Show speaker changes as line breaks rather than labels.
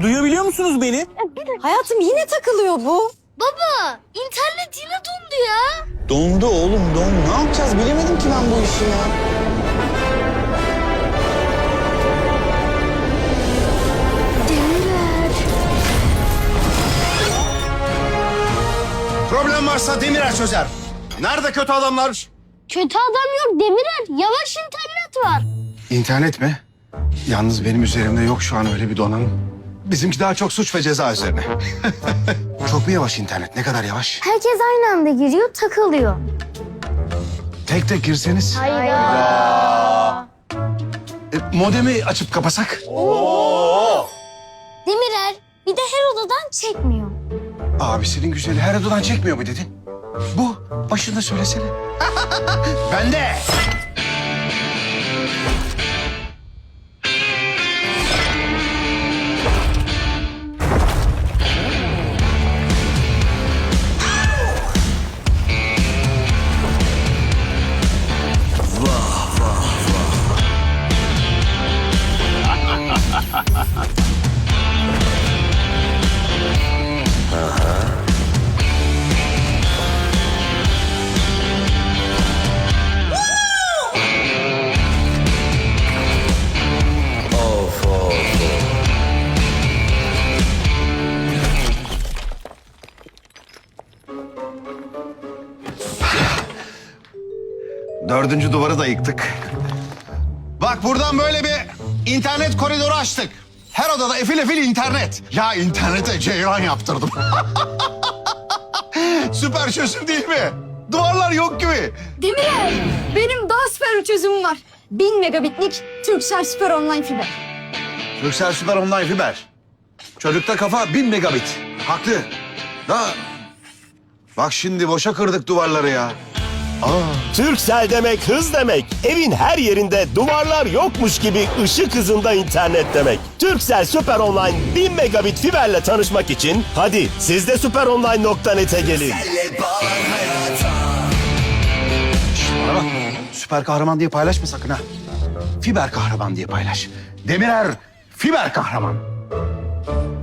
Duyabiliyor musunuz beni?
Hayatım yine takılıyor bu.
Baba, internet yine dondu ya.
Dondu oğlum, dondu. Ne yapacağız? Bilemedim ki ben bu işi ya.
Demirer.
Problem varsa Demirer çözer. Nerede kötü adamlar?
Kötü adam yok Demirer. Yavaş internet var.
İnternet mi? Yalnız benim üzerimde yok şu an öyle bir donanım. Bizimki daha çok suç ve ceza üzerine. Çok mu yavaş internet? Ne kadar yavaş?
Herkes aynı anda giriyor, takılıyor.
Tek tek girseniz. Modemi açıp kapasak?
Demirer, bir de her odadan çekmiyor.
Abisinin güzeli her odadan çekmiyor mu dedin? Bu. Başında söylesene. Ben de. Dördüncü duvarı da yıktık. Bak buradan böyle bir internet koridoru açtık. Her odada efil efil internet. Ya internete ceyran yaptırdım. Süper çözüm değil mi? Duvarlar yok gibi.
Demirer, benim daha süper bir çözümüm var. 1000 megabitlik Turkcell Süper Online Fiber.
Turkcell Süper Online Fiber. Çocukta kafa 1000 megabit. Haklı. Da bak şimdi boşa kırdık duvarları ya.
Turkcell demek hız demek. Evin her yerinde duvarlar yokmuş gibi ışık hızında internet demek. Turkcell Süper Online 1000 megabit fiberle tanışmak için hadi siz de süperonline.net'e gelin.
Bana bak. Süper kahraman diye paylaşma sakın ha. Fiber kahraman diye paylaş. Demirer fiber kahraman.